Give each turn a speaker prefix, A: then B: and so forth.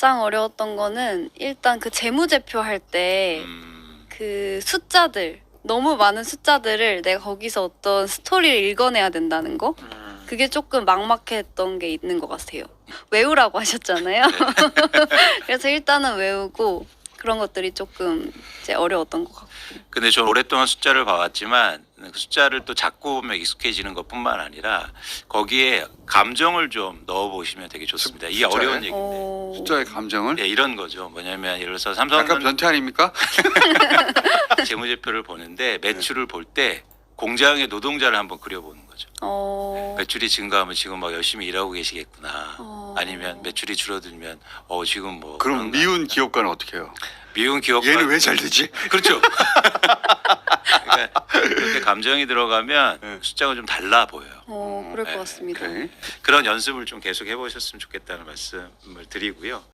A: 가장 어려웠던 거는 일단 그 재무제표 할 때 그 숫자들 너무 많은 숫자들을 내가 거기서 어떤 스토리를 읽어내야 된다는 거 그게 조금 막막했던 게 있는 것 같아요. 외우라고 하셨잖아요. 그래서 일단은 외우고 그런 것들이 조금 이제 어려웠던 것 같고.
B: 근데 저 오랫동안 숫자를 봐왔지만 그 숫자를 또 자꾸 보면 익숙해지는 것뿐만 아니라 거기에 감정을 좀 넣어보시면 되게 좋습니다. 이게
C: 숫자에?
B: 어려운 얘기인데.
C: 숫자의 감정을
B: 네, 이런 거죠. 뭐냐면 예를 들어서
C: 약간
B: 삼성은
C: 변태 아닙니까?
B: 재무제표를 보는데 매출을 볼 때 공장의 노동자를 한번 그려보는 거죠. 매출이 증가하면 지금 막 열심히 일하고 계시겠구나. 아니면 매출이 줄어들면 지금 뭐
C: 그럼 미운 기업가는 어떻게 해요?
B: 미운 기업가
C: 얘는 왜 잘 되지?
B: 그렇죠. 그러니까 그렇게 감정이 들어가면
C: 네.
B: 숫자가 좀 달라 보여요.
A: 그럴
B: 네,
A: 것 같습니다.
C: 오케이.
B: 그런 연습을 좀 계속 해보셨으면 좋겠다는 말씀을 드리고요.